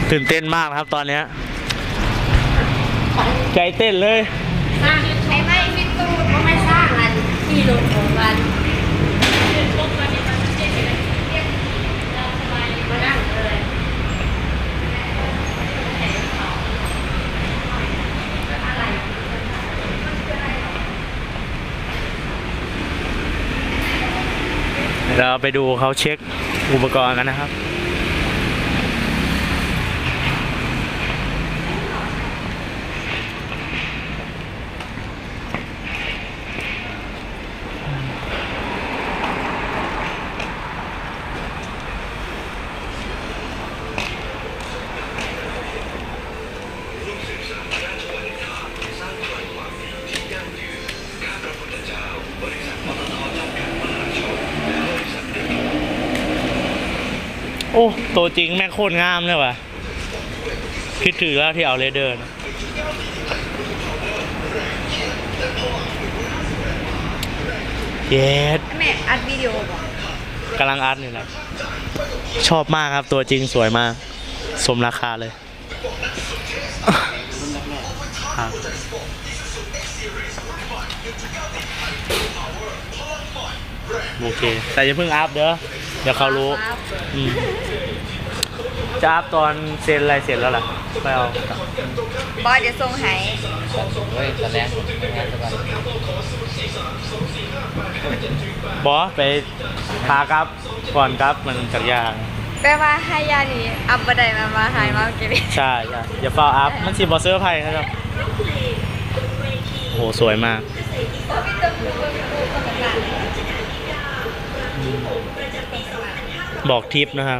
ตื่นเต้นมากครับตอนเนี้ยใจเต้นเลยสร้างใช้ไม่มิตูเขาไม่สร้างอันที่ลงของมันมานั่งเลยเราไปดูเขาเช็คอุปกรณ์กันนะครับโอ้ตัวจริงแม่งโคตรงามเลยว่ะคิดถึงแล้วที่เอาเรเดอร์เย็ดแม่อัดวิดีโอบอกกำลังอัดนี่แหละชอบมากครับตัวจริงสวยมากสมราคาเลยครับโอเคแต่อย่าเพิ่งอัพเด้อเดี๋ยวเขารู้จะอัพตอนเซ็นอะไรเสร็จแล้วล่ะไปเอาบอยจะส่งให้เฮ้ยตอนแรกงานสักวันบอสไปพาครับก่อนครับมันจักรยานแปลว่าให้ยานี้อัพบันไดมาหายมาเก็บใช่ใช่อย่าเฝ้าอัพมันสิบอสเซอร์ไพรส์นะครับโหสวยมากบอกทิปนะครับ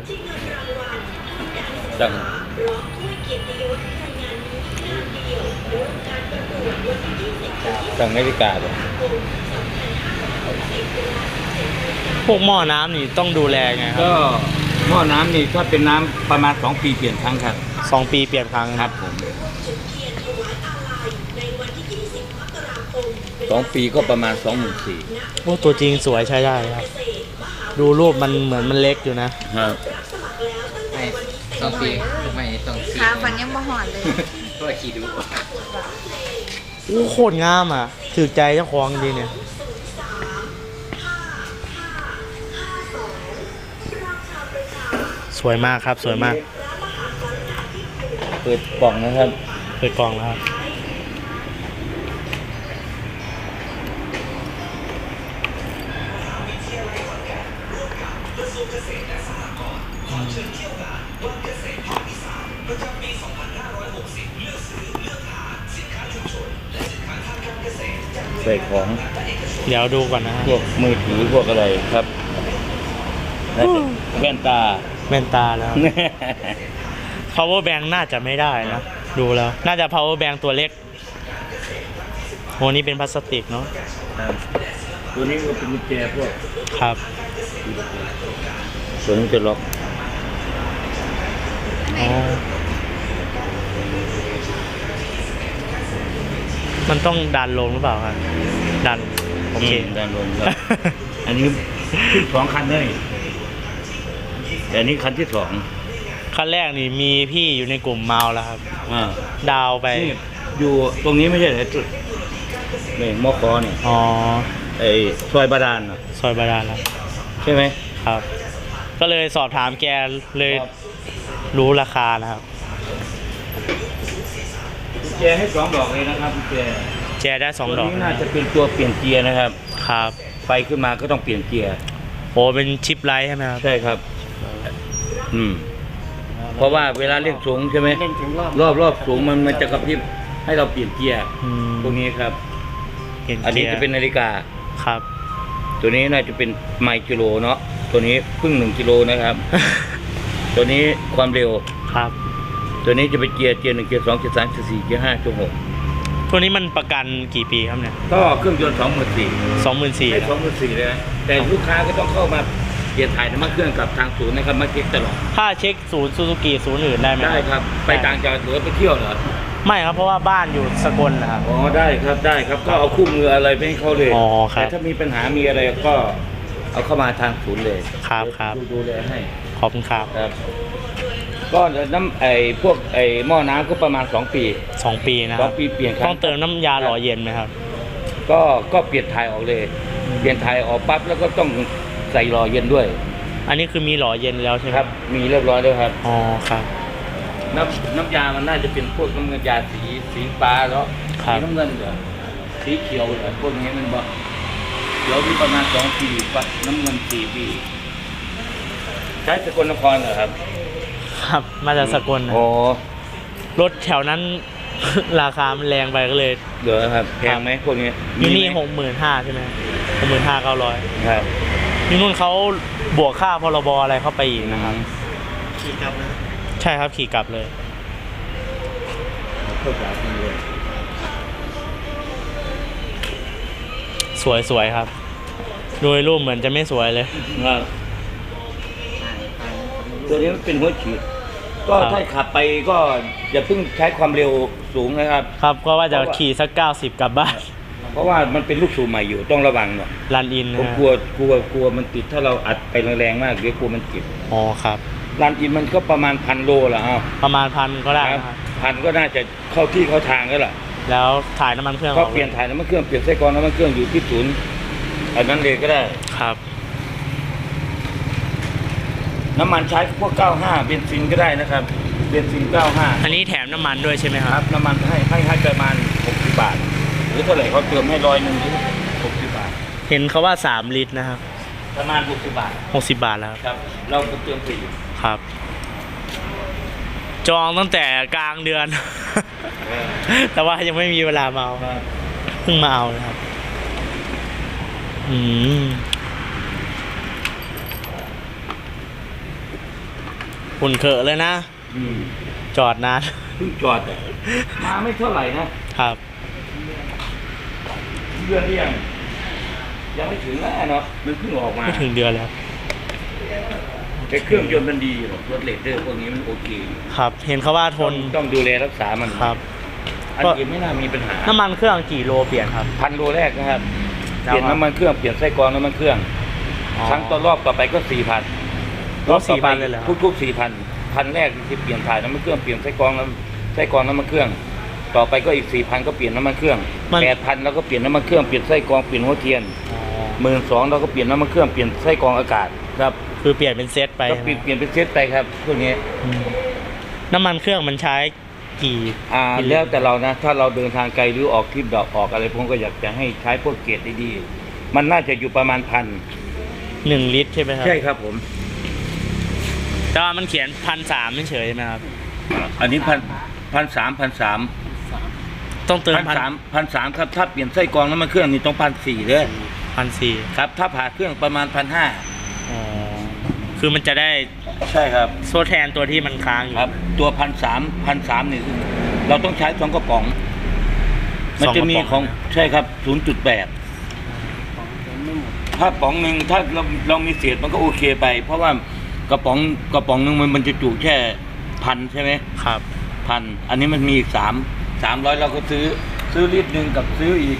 สั่งนาฬิกาเลยพวกหม้อน้ำนี่ต้องดูแลไงครับก็หม้อน้ำนี่ถ้าเป็นน้ำประมาณ2 ปีเปลี่ยนครั้งครับ 2 ปีเปลี่ยนครั้งครับผม2 ปีก็ประมาณ24,000 โอ้ตัวจริงสวยใช้ได้ครับดูรูปมันเหมือนมันเล็กอยู่นะครับไม่2 ปีไม่ต้อง4 ขาฟันยังบ่หอนเลยก็ขี่ดูโอ้โคตรงามอ่ะถือใจเจ้าของดีเนี่ยสวยมากครับสวยมากเปิดกล่องนะครับเปิดกล่องแล้วครับใส่ของเดี๋ยวดูก่อนนะพวกมือถือพวกอะไรครับแว่นตาแล้ว power bank น่าจะไม่ได้นะดูแล้วน่าจะ power bank ตัวเล็กโหนี่เป็นพลาสติกเนาะตัวนี้ก็เป็นกุญแจพวกครับตัวนี้จะล็อกมันต้องดันลงหรือเปล่าครับดันโอเคดันลงครับอันนี้ขึ้น2 คันเลยแต่อันนี้คันที่2 คันแรกนี่มีพี่อยู่ในกลุ่มเมาแล้วครับดาวไปอยู่ตรงนี้ไม่ใช่เหรอจุดนี่มอคอเนี่ยอ๋อไอ้ซอยบาดาลซอยบาดาลแล้วใช่ไหมครับก็เลยสอบถามแกเลยรู้ราคานะครับแจให้2 ดอกเลยนะครับแจได้2 ดอกนี้น่าจะเป็นตัวเปลี่ยนเกียร์นะครับครับไฟขึ้นมาก็ต้องเปลี่ยนเกียร์โอ้เป็นชิปไลท์ใช่ไหมครับใช่ครับเพราะว่าเวลาเร่งสูงใช่ไหมรอบสูงมันจะกระพริบให้เราเปลี่ยนเกียร์ตรงนี้ครับอันนี้จะเป็นนาฬิกาครับตัวนี้น่าจะเป็นไมล์กิโลเนาะตัวนี้เพิ่ง1 กิโลนะครับ ตัวนี้ความเร็วครับตัวนี้จะเป็นเกียร์1 เกียร์ 2 เกียร์ 3 เกียร์ 4 เกียร์ 5 เกียร์ 6 ตัวนี้มันประกันกี่ปีครับเนี่ยก็เครื่องยนต์ 24,000เลยนะแต่ลูกค้าก็ต้องเข้ามาเปลี่ยนถ่ายน้ำมันเครื่องกับทางศูนย์นะครับมาเช็คตลอดถ้าเช็คศูนย์ซูซูกิศูนย์อื่นได้ไหมได้ครับไปต่างจังหวัดหรือไปเที่ยวเหรอไม่ครับเพราะว่าบ้านอยู่สกลนะครับอ๋อได้ครับก็เอาคู่มืออะไรไปให้เขาเลยแต่ถ้ามีปัญหามีอะไรก็เอาเข้ามาทางศูนย์เลยครับดูแลให้ขอบคุณครับก็ก็น้ำพวกหม้อน้ำก็ประมาณ2 ปี 2 ปีนะคสรัอบ งปีเปลี่ยนครั้ต้องเติมน้ำยาหล่อเย็นไหมครับก็เปลี่ยนถ่ายออกเลย เปลี่ยนถ่ายออกปั๊บแล้วก็ต้องใส่หล่อเย็นด้วยอันนี้คือมีหล่อเย็นแล้วใช่ไหมครับ มีเรียบร้อยแล้วครับอ๋อครับน้ำยามันน่าจะเป็นพวกน้ำเงินยาสีฟ้าแล้วครัสีบน้ำเงินเหรอสีเขียวเหรอพวกนี้มันบอกเขียวมีประมาณ2 ปีปัดน้ำเงิน4 ปีใช้สกลนครเหรอครับครับมาจากสกลนะโอ้รถแถวนั้น ราคามันแรงไปก็เลยเหลือครับแพงไหมพวกนี้อยู่นี่มีไหม 65,000ใช่ไหม65,900 ครับที่นู่นเขาบวกค่าพรบอะไรเข้าไปอีกนะครับขี่กลับนะใช่ครับขี่กลับเลยเข้าใจเลยสวยครับ โดยรูปเหมือนจะไม่สวยเลยครับตัวนี้มันเป็นหัวฉีด ก็ครับถ้าขับไปก็อย่าเพิ่งใช้ความเร็วสูงนะครับครับก็ว่าจะขี่สัก90กลับบ้านเพราะว่ามันเป็นลูกสูบใหม่อยู่ต้องระวังหน่อยรันอินผมนะกลัวมันติดถ้าเราอัดไปแรงๆมากเดี๋ยวกลัวมันติดอ๋อครับร้านอินมันก็ประมาณ1,000 โลละอ้าวประมาณ1,000ก็ได้นะครับพันก็น่าจะเข้าที่เข้าทางแล้วล่ะแล้วถ่ายน้ำมันเครื่องอก็อกเปลี่ยนถ่ายน้ำมันเครื่องเปลี่ยนไส้กรองน้ำมันเครื่องอยู่ที่ศูนย์อันนั้นเลยก็ได้ครับน้ำมันใช้พวก 95 เบนซินก็ได้นะครับ เบนซิน 95 อันนี้แถมน้ำมันด้วยใช่ไหมคครัรับ บน้ำมันให้ประมาณ60 บาท หรือเท่าไหร่เขาเติมให้100 หรือ60 บาทเห็นเขาว่า3 ลิตรนะครับประมาณ60 บาท 60 บาทแล้วครับครับ เราก็เติมฟรีครับ จองตั้งแต่กลางเดือน แต่ว่ายังไม่มีเวลามาเอาครับเพิ่งมาเอานะครับ หุ่นเขอะเลยนะอืมจอดนานเพิ่งจอดอะมาไม่เท่าไหร่นะครับ เดือนเรียงยังไม่ถึงนะเนาะมันเพิ่งออกมาไม่ถึงเดือนแล้วแต่เครื่องยนต์มันดีหรอกรถเลดเดอร์พวกนี้มันโอเคครับ เห็นเขาว่าทนต้องดูแลรักษามันครับอันอื่นไม่น่ามีปัญหาน้ำมันเครื่องกี่โลเปลี่ยนครับ 1,000 โลแรกนะครับแล้วเปลี่ยนน้ำมันเครื่องเปลี่ยนไส้กรองน้ำมันเครื่องอ๋อครั้งต่อรอบต่อไปก็ 4,000 รอบ4,000เลยเหรอทุกๆ 4,000 พันแรกที่เปลี่ยนถ่ายน้ำมันเครื่องเปลี่ยนไส้กรองน้ำมันเครื่อง ต่อไปก็อีก 4,000 ก็เปลี่ยนน้ำมันเครื่อง 8,000 แล้วก็เปลี่ยนน้ำมันเครื่องเปลี่ยนไส้กรองเปลี่ยนหัวเทียนอ๋อ 12,000เราก็เปลี่ยนน้ำมันเครื่องเปลี่ยนไส้กรองอากาศครับคือเปลี่ยนเป็นเซตไปก็เปลี่ยนเป็นเซตไปครับพวกนี้อืมน้ำมันเครื่องมันใช้กี่แล้วแต่เรานะ ถ้าเราเดินทางไกลหรือออกทริปดอกออกอะไรผมก็อยากจะให้ใช้พวกเกรดดีๆมันน่าจะอยู่ประมาณ1,000 1 ลิตรใช่ไหมครับใช่ครับผมแต่ว่ามันเขียน1,300ไม่เฉยใช่ไหมครับอันนี้1,300 ต้องเติม 1,300ครับถ้าเปลี่ยนไส้กรองน้ำมันเครื่องนี่ต้อง1,400เลย 1,400 ครับถ้าผ่าเครื่องประมาณ1,500 อ๋อคือมันจะได้ใช่ครับโซแทนตัวที่มันค้างอยู่ครับ ตัว1,300นี่เราต้องใช้2 กระป๋อง มันจะมีของใช่ครับ 0.8 ถ้าป๋องหนึ่งถ้าเรามีเศษมันก็โอเคไป เพราะว่ากระป๋องหนึ่งมันจะจุแค่1,000ใช่ไหมครับ 1,000 อันนี้มันมีอีก300เราก็ซื้อลิตรหนึ่งกับซื้ออีก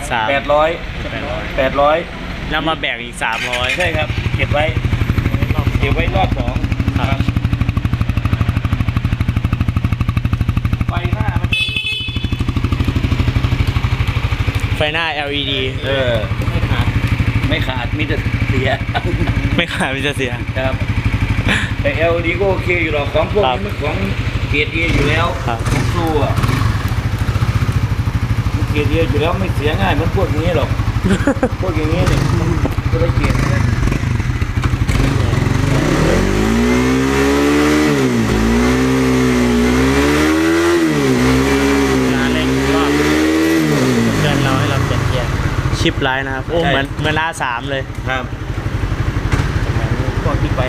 800 แล้วมาแบ่งอีก300 ใช่ครับ เก็บไว้รอบ2 ครับไฟหน้ามันไฟหน้า LED ไม่ขาดมีแต่เสียไม่ขาดมันจะเสียครับ แต่ LED ก็โอเคอยู่หรอกของพวกครับนี้มันของเกียร์ดีอยู่แล้วครับของครูอ่ะมันเกียร์ดีอยู่แล้วไม่เสียง่ายเหมือนพวกนี้หรอก พวกอย่างนี้เนี่ยมันก็ได้เกียร์นะร้านเล็กก็เกินเราให้เราเปลี่ยนเกียร์ชิปไลน์นะครับ โอ้เหมือนR3เลยครับพวกที่ไป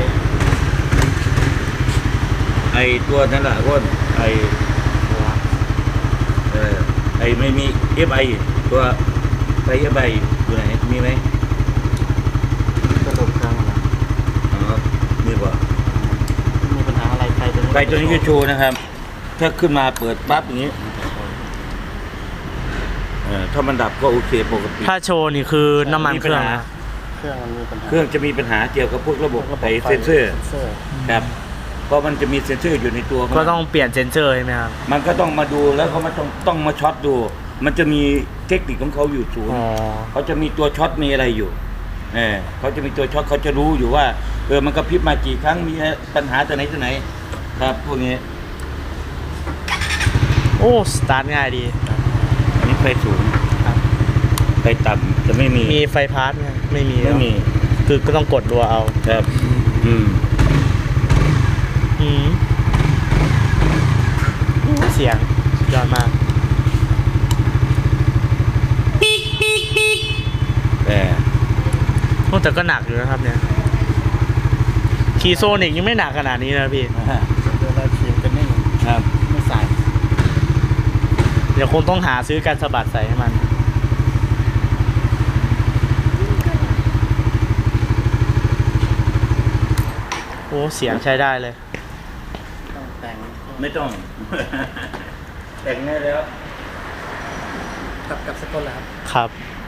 ไอตัวนั่นแหละพวกไอไม่มี FI ตัวไป FI อยู่ไหนมีไหมระบบเครื่องนะอ๋อมีป่ะมีปัญหาอะไรใครจะไฟตัวนี้จะโชว์นะครับ ถ้าขึ้นมาเปิดปั๊บอย่างนี้ถ้ามันดับก็โอเคปกติถ้าโชว์นี่คือน้ำมันเครื่องนะเครื่องมันมีปัญหาเครื่องจะมีปัญหาเกี่ยวกับพวกระบบไอเซนเซอร์เซอร์ครับเพราะมันจะมีเซ็นเซอร์อยู่ในตัวก็ต้องเปลี่ยนเซนเซอร์ใช่ไหมครับมันก็ต้องมาดูแล้วเขามาต้องมาช็อตดู มันจะมีเทคนิคของเขาอยู่ศูนอ๋ย์อเขาจะมีตัวช็อตมีอะไรอยู่เขาจะมีตัวช็อตเขาจะรู้อยู่ว่ามันกระพริบมากี่ครั้งมีปัญหาตัวไหนครับพวกนี้โอ้สตาร์ทง่ายดีอันนี้ไฟสูงครับไฟต่ำจะไม่มีมีไฟพาร์ทไหมไม่มีไม่มีคือก็ต้องกดรัวเอาครับอืมเสียงยอดมากแต่โอ้แต่ก็หนักอยู่นะครับเนี่ยคีโซนิกยังไม่หนักขนาดนี้นะพี่เวลาขี่จะไม่ครับไม่ใส่เดี๋ยวคงต้องหาซื้อการสะบัดใส่ให้มัน โอ้เสียงใช้ได้เลยต้องแต่งไม่ต้อง แต่งง่ายแล้วกับสกลแล้วครับครับ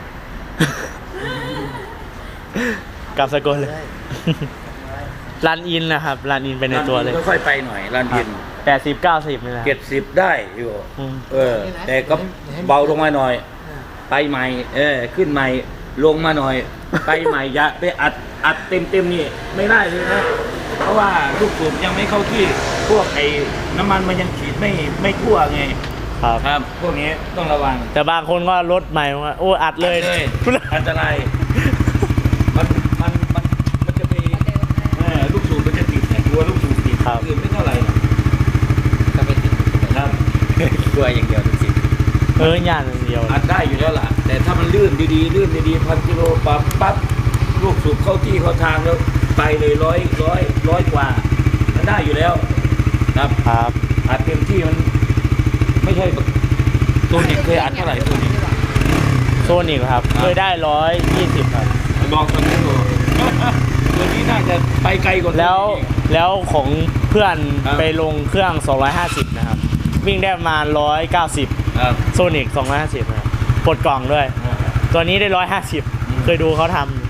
กับสกลเลยได้รันอินนะครับรันอินเป็นในตัวเลยก็ค่อยไปหน่อยรันยิน 80-90นี่แหละ 70ได้อยู่อืมแต่ก็เบาลงมาหน่อย ไปใหม่ ขึ้นใหม่ ลงมาหน่อย ไปใหม่อย่าไปอัดเต็มนี่ไม่ได้เลยนะ เพราะว่าลูกสูบยังไม่เข้าที่ พวกไอ้น้ำมันมันยังฉีดไม่ทั่วไงครับครับ พวกนี้ต้องระวังแต่บางคนก็ลดใหม่ว่าโอ้อัดเลยอันตรายมันจะไปลูกสูบมันจะติดตัวลูกสูบติดอื่นไม่เท่าไหร่หรอกก็ไปติดครับตัวอย่างเดียวทุกสิ่งย่านอย่างเดียวอัดได้อยู่แล้วล่ะ แต่ถ้ามันลื่นดีๆ1,000 กิโลปั๊บลูกสูบเข้าที่เข้าทางแล้วไปเลยร้อยกว่ามันได้อยู่แล้วครับครับอัดเต็มที่มันไม่ใช่ตัวนี้เคยอัดเท่าไหร่ตัวนี้โซนิกครับ เคยได้120ครับบอกตรงนี้ดูตัวนี้น่าจะไปไกลกว่าแล้วของเพื่อนครับไปลงเครื่อง250นะครับ วิ่งได้ประมาณ190 ครับโซนิก250นะครับปลดกล่องด้วย ตัวนี้ได้150เคยดูเขาทำ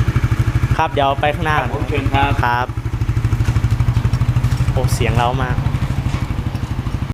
ครับเดี๋ยวไปข้างหน้าผมเชิญครับครับโอ้เสียงเรามาก